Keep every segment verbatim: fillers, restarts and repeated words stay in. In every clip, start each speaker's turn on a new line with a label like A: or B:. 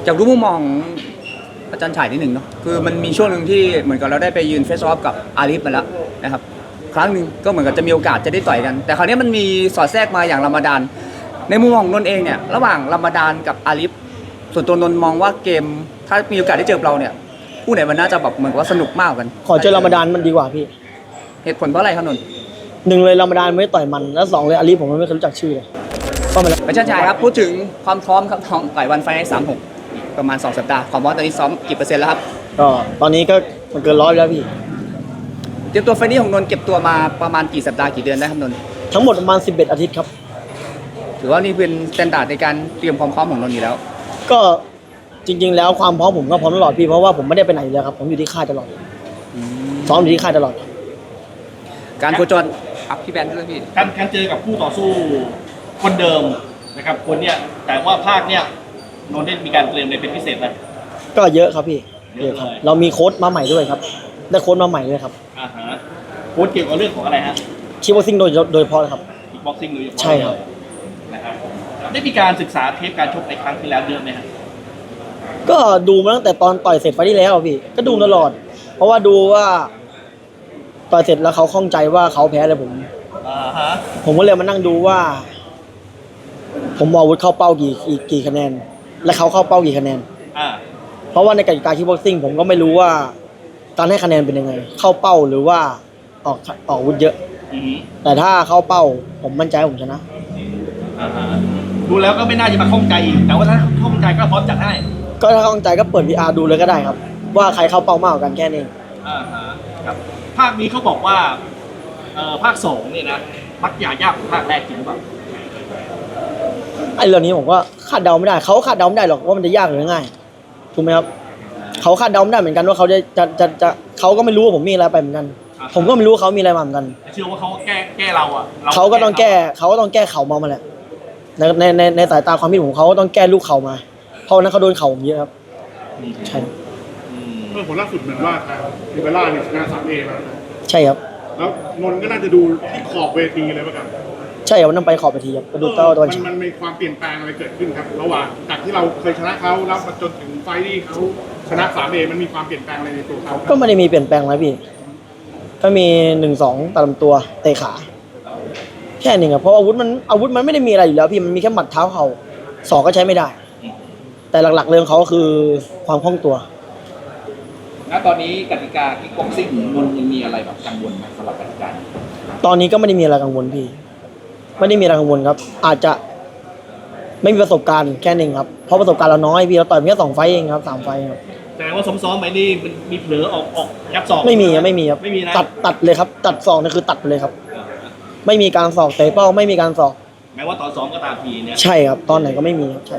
A: จากรู้มุมมองอาจารย์ฉายนิดหนึ่งเนาะคือมันมีช่วงหนึ่งที่เหมือนกับเราได้ไปยืนเฟสออฟกับอาลีฟมาแล้วนะครับครั้งหนึ่งก็เหมือนกับจะมีโอกาสจะได้ต่อยกันแต่คราวนี้มันมีสอดแทรกมาอย่างรามฎานในมุมมองนนท์เองเนี่ยระหว่างรามฎานกับอาลีฟส่วนตัวนนท์มองว่าเกมถ้ามีโอกาสได้เจอเราเนี่ยคู่ไหนมันน่าจะแบบเหมือนว่าสนุกมากกัน
B: ขอเจอรามฎานมันดีกว่าพี่
A: เหตุผลเพราะอะไรครับนนท์
B: หนึ่งเลยรามฎานไม่ต่อยมันแล้วสองเลยอาลีผมไม่เคยรู้จักชื่อเลยก็มาแล้ว
A: อาจารย์ฉายครับพูดถึงความพร้อมครับของต่อยวันไฟในสามหกประมาณสองสัปดาห์ความพร้อมตอนนี้ซ้อมกี่เปอร์เซ็นต์แล้วครับ
B: ก็ตอนนี้ก็มันเกินร้อยแล้วพี่
A: เตรียมตัวไฟนี้ของนนท์เก็บตัวมาประมาณกี่สัปดาห์กี่เดือนได้ครับนนท์
B: ทั้งหมดประมาณสิบเอ็ดอาทิตย์ครับ
A: ถือว่านี่เป็นสแตนดาร์ดในการเตรียมความพร้อมของนนท์อยู่แล้ว
B: ก็จริงๆแล้วความพร้อมผมก็พร้อมตลอดพี่เพราะว่าผมไม่ได้ไปไหนเลยครับผมอยู่ที่ค่ายตลอดซ้อมอยู่ที่ค่ายตลอด
A: การโคจรอัพพี่แบนด้วยพี่
C: การการเจอกับคู่ต่อสู้คนเดิมนะครับคนเนี้ยแต่ว่าภาคเนี้ยนนท์ได้มีการเตรียมอะไรเป็นพิเศษไหม
B: ก็เยอะครับพี่เยอะครับเรามีโค้ชมาใหม่ด้วยครับได้โค้ชมาใหม่ด้วยครับ
C: อ่าฮะโค้ชเกี่ยวกับเรื่องของอะไรฮะ
B: คิกบ็อกซิ่งโดยโดยเฉพาะครับ
C: คิกบ็อกซิ่งโดยเฉพาะ
B: ใช่ครับ
C: นะครับได้มีการศึกษาเทปการชกในครั้งที่แล้วเยอะไหมฮะ
B: ก็ดูมาตั้งแต่ตอนต่อยเสร็จไฟที่แล้วพี่ก็ดูตลอดเพราะว่าดูว่าต่อยเสร็จแล้วเขาข้องใจว่าเขาแพ้อะไรผม
C: อ่าฮะ
B: ผมก็เลยมานั่งดูว่าผมอาวุธเข้าเป้ากี่กี่กี่คะแนนและเขาเข้าเป้ากี่คะแนน
C: อ่า
B: เพราะว่าในกติกาคิกบ็อกซิ่งผมก็ไม่รู้ว่าการให้คะแนนเป็นยังไงเข้าเป้าหรือว่าออกออกอาวุธเยอะแต่ถ้าเข้าเป้าผมมั่นใจผมชนะ
C: อ่าฮะดูแล้วก็ไม่น่าจะมาข้องใจอีกแต่ว่าถ้าข้องใจก็พร้อมจัดให้
B: ก็ถ้าข้องใจก็เปิด วี อาร์ ดูเลยก็ได้ครับว่าใครเข้าเป้ามากกว่ากันแค่นี้
C: อ่าฮะครับภาคนี้เขาบอกว่าเอ่อภาคสองเนี่ยนะมักยากยากกว่าภาคแรกจริงหรือเปล่า
B: ไอ้เรื่องนี้ผมก็คาดเดาไม่ได้เขาคาดเดาไม่ได้หรอกว่ามันจะยากหรือง่ายถูกไหมครับเขาคาดเดาไม่ได้เหมือนกันว่าเขาจะจะจะจะเขาก็ไม่รู้ว่าผมมีอะไรไปเหมือนกันผมก็ไม่รู้ว่าเขามีอะไรมาเหมือนกัน
C: เชื่อว่าเขาแก้แก้เราอ่ะ
B: เขาก็ต้องแก้เขาก็ต้องแก้เข่ามามาแหละในในในในสายตาความคิดผมเขาก็ต้องแก้ลูกเข่ามาเพราะนั้นเขาโดนเข่าผมเยอะครับใช่
D: เมื่อผลล่าสุดเหมือนว่าทางลิเบร่าเนี่ยชนะสามเอมา
B: ใช่ครับ
D: แล้วนนท์ก็น่าจะดูที่ขอบเวทีเลยป่ะครับ
B: ใช่ครับวันนั้นไปขอบเวทีครับไปดูเต้าตอน
D: มันมันมีความเปลี่ยนแปลงอะไรเกิดขึ้นครับระหว่างจากที่เราเคยชนะเขาแล้วมาจนถึงไฟที่เขาชนะสามเอมันมีความเปลี่ยนแปลงอะไรในตัวเขา
B: ก็ไม่ได้มีเปลี่ยนแปลงอะไรพี่ก็มีหนึ่งสองตัดลำตัวเตะขาแค่นี้ครับเพราะอาวุธมันอาวุธมันไม่ได้มีอะไรอยู่แล้วพี่มันมีแค่หมัดเท้าเข่าศอกก็ใช้ไม่ได้แต่หลักๆเรื่องเขาคือความคล่องตัว
A: ณตอนนี้กติกาคิกบ็อกซิ่งนนท์ยังมีอะไรแบบกังวลไหมสำหรับกติกา
B: ตอนนี้ก็ไม่ได้มีอะไรกังวลพี่ไม่ได้มีอะไรกังวลครับอาจจะไม่มีประสบการณ์แค่นึงครับเพราะประสบการณ์เราน้อยพี่เราต่อยเพียงแค่สองไฟเองครับสามไฟครับ
C: แสดงว่าซ้อมๆไปนี่มันมีเผลอออกออกยับศอก
B: ไม่มีครับไม่มีครับ
C: ไม่มีนะ
B: ตัดตัดเลยครับตัดศอกนี่คือตัดไปเลยครับไม่มีการศอกเตะเป้าไม่มีการศอก
C: แม้ว่าตอนซ้อมก็ตามทีเนี่ย
B: ใช่ครับตอนไหนก็ไม่มีครับใช่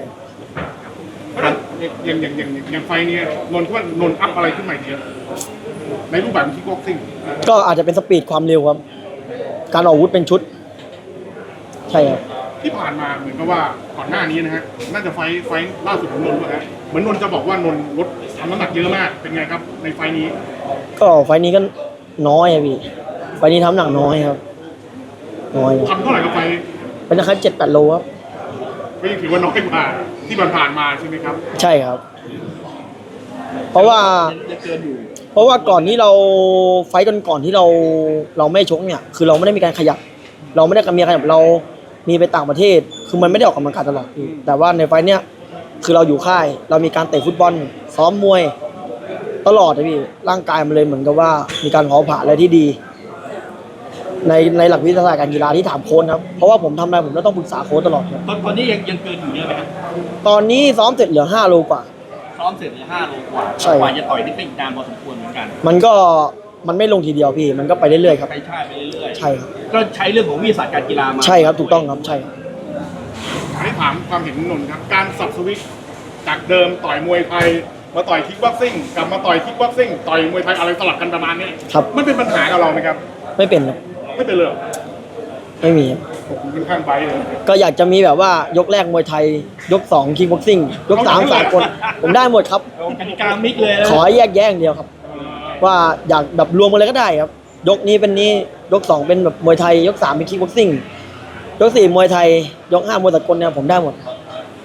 D: อย่างอย่างอย่างอย่างไฟนี้นนท์ว่านนท์อัพอะไรขึ้นใหม่เยอะในรูปแบบคิกบ็อกซิ่ง
B: ก็อาจจะเป็นสปีดความเร็วครับการออกอาวุธเป็นชุดใช่ครับ
D: ที่ผ่านมาเหมือนกับว่าก่อนหน้านี้นะฮะน่าจะไฟไฟล่าสุดของนนท์ว่าฮะเหมือนนนท์จะบอกว่านนท์ลดทำน้ำหนักเยอะมากเป็นไงครับในไฟนี้
B: ก็ไฟนี้ก็น้อยครับพี่ไฟนี้ทำหนักน้อยครับน้อย
D: ทำเท่าไหร่กับไฟ
B: เป็นนะครับเจ็ดแปดโลครับ
D: ก็ยังถือว่าน้อยกว่าที่ผ่านมาใช่ไหมครับ
B: ใช่ครับเพราะว่าเพราะว่าก่อนที่เราไฟกันก่อนที่เราเราไม่ชกเนี่ยคือเราไม่ได้มีการขยับเราไม่ได้มีขยับเรามีไปต่างประเทศคือมันไม่ได้ออกกำลังกายตลอดแต่ว่าในไฟเนี้ยคือเราอยู่ค่ายเรามีการเตะฟุตบอลซ้อมมวยตลอดเลยพี่ร่างกายมันเลยเหมือนกับว่ามีการเผาผลาญอะไรที่ดีในในหลักวิทยาศาสตร์การกีฬาที่ถามโค้ชครับเพราะว่าผมทำอะไรผมต้องปรึกษาโค้ชตลอดครับ
C: ตอนตอนนี้ยังยังเกินอยู่เยอะไหมครับ
B: ตอนนี้ซ้อมเสร็จเหลือห้าโลกว่า
C: ซ้อมเสร็จเหลือห้าโลกว่า
B: ใช่
C: กว่าจะต่อยนี่เป็นนานพอสมควรเหมือนกัน
B: มันก็มันไม่ลงทีเดียวพี่มันก็ไปเรื่อยๆครับ
C: ใช่ใช่ไปเรื่อย
B: ๆใช่ครับ
C: ก็ใช้เรื่องของวิทยาศาสตร์การกีฬามา
B: ใช่ครับถูกต้องครับใช่
D: ให้ถามความเห็นนนท์ครับการสับสวิตจากเดิมต่อยมวยไทยมาต่อยคิกบ็อกซิ่งกลับมาต่อยคิกบ็อกซิ่งต่อยมวยไทยอะไรสลับกันประมาณนี้
B: ครับ
D: มันเป็นปัญหากับเราไหมครับ
B: ไม่เป็นครับ
D: ไม่เป็นเลย
B: ไม่มี
D: ผมเป็นข้างไปเลย
B: ก็อยากจะมีแบบว่ายกแรกมวยไทยยกสองคิกบ็อกซิ่งยกสามสากลผมได้หมดครับ
C: กติกามิกเลย
B: ขอแยกแยกเดียวครับว่าอยากแบบรวมกันเลยก็ได้ครับยกนี้เป็นนี้ยกสองเป็นแบบมวยไทยยกสามเป็นคิกบ็อกซิ่งยกสี่มวยไทยยกห้ามวยสากลเนี่ยผมได้หมด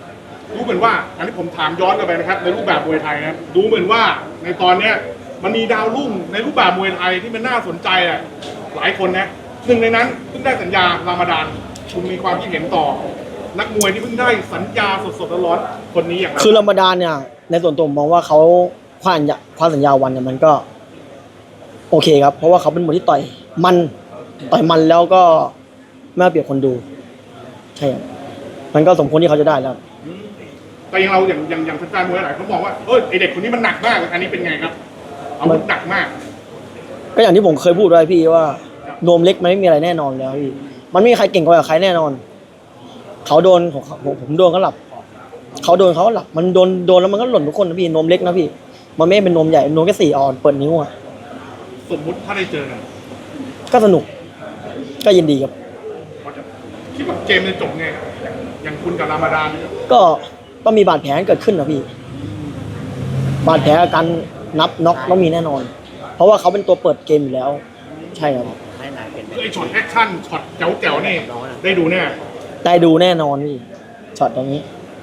D: ดูเหมือนว่า อันนี้ผมถามย้อนกลับไปนะครับในรูปแบบมวยไทยนะครับดูเหมือนว่าในตอนเนี้ยมันมีดาวรุ่งในรูปแบบมวยไทยที่มันน่าสนใจอ่ะหลายคนนะหนึ่งในนั้นเพิ่งได้สัญญารามฎานคุณมีความคิดเห็นต่อ นักมวยที่เพิ่งได้สัญญาสดๆร้อนๆคนนี้อย่างไร
B: คือรามฎานเนี่ยในส่วนตัวผมมองว่าเขาคว้าสัญญาคว้าสัญญาวันเนี่ยมันก็โอเคครับเพราะว่าเขาเป็นมวยที่ต่อยมันต่อยมันแล้วก็ไม่เอาเปรียบคนดูใช่ครับมันก็สมควรที่เขาจะได้แล้ว
D: แต่อยังเราอย่างอย่างอย่างแฟนๆมวยหลายเขาบอกว่าเออไอเด็กคนนี้มันหนักมากอันนี้เป็นไงครับเอามันหนักมาก
B: ก็อย่างที่ผมเคยพูดไว้พี่ว่านวมเล็กมันไม่มีอะไรแน่นอนแล้วพี่มันไม่มีใครเก่งกว่าใครแน่นอนเขาโดนของเขาผมผมโดนเขาหลับเขาโดนเขาหลับมันโดนโดนแล้วมันก็หล่นทุกคนนะพี่นวมเล็กนะพี่มันไม่เป็นนวมใหญ่นวมแค่สี่ออนเปิดนิ้วอ่ะ
D: สมมุติถ้าได้เจอกัน
B: ก็สนุกก็ยินดีครับ
D: เขาจะคิดว่าเกมจะจบไงครับอย่างอย่างคุณกับรามฎานเนี่ย
B: ก็ต้องมีบาดแผลเกิดขึ้นนะพี่บาดแผลอาการนับน็อกต้องมีแน่นอน เพราะว่าเขาเป็นตัวเปิดเกมอยู่แล้ว ใช่ครับ
D: คือไอช็อตแอคชั่นช็อตแจ๋วๆนี่ได้ดูแน่
B: ได้ดูแน่นอนพี่ช็อตตรงนี้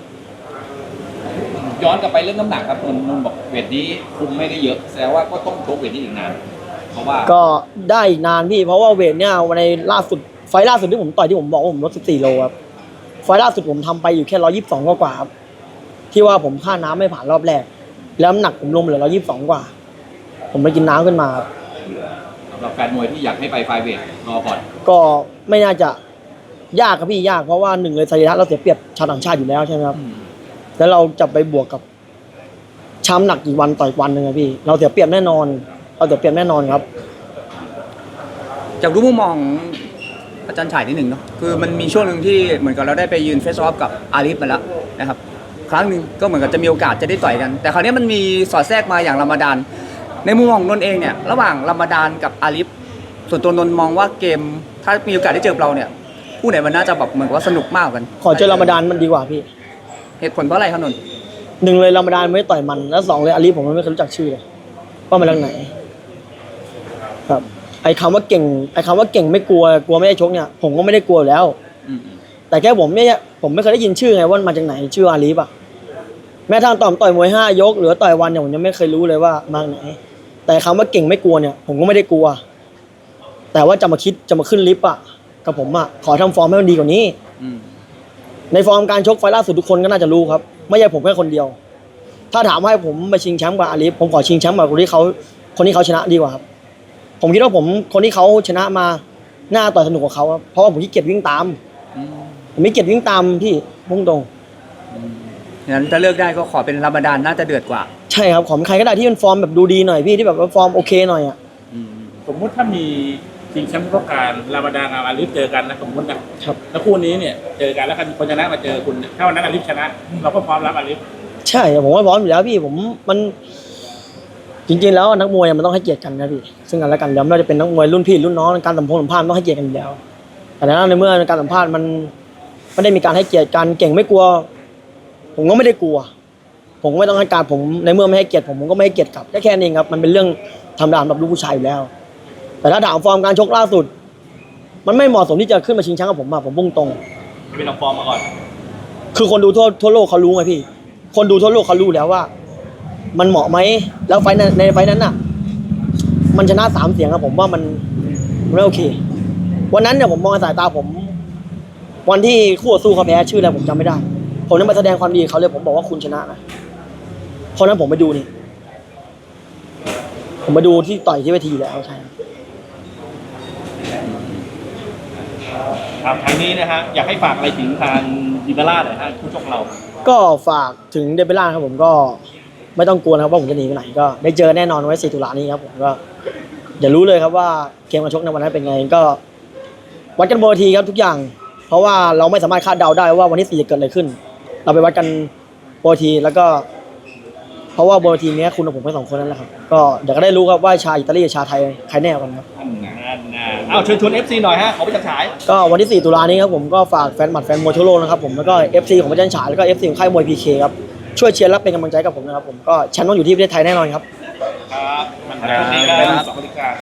E: ย้อนกลับไปเรื่องน้ำหนักครับนนท์นนท์บอกเวทนี้คุมไม่ได้เยอะแสดงว่าก็ต้องชกเวทนี้อีกนานเพราะว่า
B: ก็ได้อีกนานพี่เพราะว่าเวทเนี่ยวันในล่าสุดไฟล์ล่าสุดที่ผมต่อยที่ผมบอกว่าผมลดสิบสี่โลครับไฟล์ล่าสุดผมทำไปอยู่แค่ร้อยยี่สิบสองกว่าๆครับที่ว่าผมค่าน้ำไม่ผ่านรอบแรกแล้วน้ำหนักผมลงเหลือร้อยยี่สิบสองกว่า ผมไปกินน้ำขึ้นมาครับ
E: สำหรับแฟนมวยที่อยากให้ไปไฟเวทรอก่อน
B: ก็ไม่น่าจะยากครับพี่ยากเพราะว่าหนึ่งเลยสรีระเราเสียเปรียบชาวต่างชาติอยู่แล้วใช่ไหมครับแล้วเราจะไปบวกกับช้ำหนักกี่วันต่อยวันหนึ่งอะพี่ เราเสียเปรียบแน่นอน เราเสียเปรียบแน่นอนครับ
A: จากดูมุมมองอาจารย์ฉายนิดหนึ่งเนาะคือมันมีช่วงหนึ่งที่เหมือนกับเราได้ไปยืนเฟสออฟกับอาลีฟมาแล้วนะครับครั้งหนึ่งก็เหมือนกับจะมีโอกาสจะได้ต่อยกัน แต่คราวนี้มันมีสอดแทรกมาอย่างรามฎานในมุมมองของนนท์เองเนี่ยระหว่างรามฎานกับอาลีฟส่วนตัวนนท์มองว่าเกมถ้ามีโอกาสได้เจอเราเนี่ยผู้ไหนมันน่าจะแบบเหมือนกับว่าสนุกมากกว่ากัน
B: ขอเจอรามฎานมันดีกว่าพี่
A: เหตุผลเพราะอะไรครับนนท์
B: หนึ่งเลยรามฎานไม่ได้ต่อยมัน แล้วสองเลยอาลีผมไม่เคยรู้จักชื่อเลยว่ามาจากไหน ครับ ไอ้คำว่าเก่ง ไอ้คำว่าเก่งไม่กลัว กลัวไม่ได้ชกเนี่ย ผมก็ไม่ได้กลัวอยู่แล้ว
A: อืม
B: แต่แค่ผมเนี่ยผมไม่เคยได้ยินชื่อไงว่ามาจากไหนชื่ออาลีฟอะแม้ทางต่อมต่อยมวยห้ายกหรือว่าต่อยวันเนี่ยผมยังไม่เคยรู้เลยว่ามาจากไหน แต่คำว่าเก่งไม่กลัวเนี่ย ผมก็ไม่ได้กลัว แต่ว่าจะมาคิดจะมาขึ้นลิฟต์อะกับผมอะขอทำฟอร์มให้มันดีกว่านี้
A: อืม
B: ในฟอร์มการชกไฟล์ล่าสุดทุกคนก็น่าจะรู้ครับไม่ใช่ผมแค่คนเดียว ถ้าถามว่าให้ผมไปชิงแชมป์กับอาลีฟผมขอชิงแชมป์กับคนที่เขาคนที่เขาชนะดีกว่าครับผมคิดว่าผมคนที่เขาชนะมาหน้าต่อยสนุกกว่าเขาครับเพราะว่าผมขี้เกียจวิ่งตาม
A: อืม
B: ผมไม่เกียจวิ่งตามที่พุ่งตรง
A: งั้นถ้าเลือกได้ก็ขอเป็นรามฎานน่าจะเดือดกว่า
B: ใช่ครับของใครก็ได้ที่เป็นฟอร์มแบบดูดีหน่อยพี่ที่แบบว่าฟอร์มโอเคหน่อยอ่ะ
A: อืม
F: สมมุติถ้ามีชิงแชมป์ต้องการรามฎานกับอาลิฟเจอกันนะสมมตินะครับ แล้วคู่นี้เนี่ยเจอกันแล้วคนชนะมาเจอคุณถ้าวันนั้นอาลิฟชนะ เราก็พร้อมรับอาลิฟ
B: ใช่ผมว่าพร้อมอยู่แล้วพี่ผมมันจริงๆแล้วนักมวยมันต้องให้เกียรติกันนะพี่ซึ่งกันและกันแล้วไม่ว่าจะเป็นนักมวยรุ่นพี่รุ่นน้องการสัมพงษ์สัมภาษณ์ต้องให้เกียรติกันอยู่แล้ว แต่ในเมื่อการสัมภาษณ์มันไม่ได้มีการให้เกียรติกันเก่งไม่กลัว ผมก็ไม่ได้กลัว ผมก็ไม่ต้องให้การผมในเมื่อไม่ให้เกียรติผมผมก็ไม่ให้เกียรติกลับแค่แค่นี้ครับมันเป็นเรื่องธรรมดาสำหรับลูกผู้ชายอยู่แล้ว แต่ถ้าถามฟอร์มการชกล่าสุด มันไม่เหมาะสมที่จะขึ้นมาชิงแชมป์กับผมอะผมพุ่งตรง
C: ไปลองฟอร์มมาก่อน
B: คือคนดูทั่วทั่วโลกเขารู้ไงพี่ คนดูทั่วโลกเขารู้แล้วว่า มันเหมาะไหมแล้วไฟท์นั้นในไฟท์นั้นน่ะ มันชนะสามเสียงอะผมว่ามันมันไม่โอเค วันนั้นเนี่ยผมมองในสายตาผม วันที่คู่ต่อสู้เขาแพ้ชื่ออะไรผมจำไม่ได้ ผมนั้นมาแสดงความดีกับเขาเลยผมบอกว่าคุณชนะนะเพราะนั้นผมไปดูนี่ ผมมาดูที่ต่อยที่เวทีแล้วใช่
C: ครับทางนี้นะฮะอยากให้ฝากอะไรถึงทางดิบาร่าหน่อยฮะผู้ชกเรา
B: ก็ฝากถึงเดบิล่าครับผมก็ไม่ต้องกลัวนะครับว่าผมจะหนีไปไหนก็ได้เจอแน่นอนไว้สี่ตุลานี้ครับผมก็อย่ารู้เลยครับว่าเกมการชกในวันนั้นเป็นไงก็วัดกันบนเวทีครับทุกอย่าง เพราะว่าเราไม่สามารถคาดเดาได้ว่าวันที่สี่จะเกิดอะไรขึ้น เราไปวัดกันบนเวทีแล้วก็ เพราะว่าบนเวทีนี้คุณกับผมแค่สองคนนั่นแหละครับก็เดี๋ยวก็ได้รู้ครับว่าชาวอิตาลีกับชาวไทยใครแน่กว่ากันครับ
C: อันนั้นนะเอาเชิญชวน เอฟ ซี หน่อยฮะขอไปจัดฉาย
B: ก็วันที่สี่ตุลานี้ครับผมก็ฝากแฟนหมัดแฟนมวยทั่วโลกนะครับผมแล้วก็ เอฟ ซี ของพระจันทร์ฉายแล้วก็ เอฟ ซี ของค่ายมวย พี เค ครับช่วยเชียร์และเป็นกำลังใจกับผมนะครับผมก็แชมป์ต้องอยู่ที่ประเทศไทยแน่นอนครับ
C: ครับมันเป็นดีครับสวัสดีครับ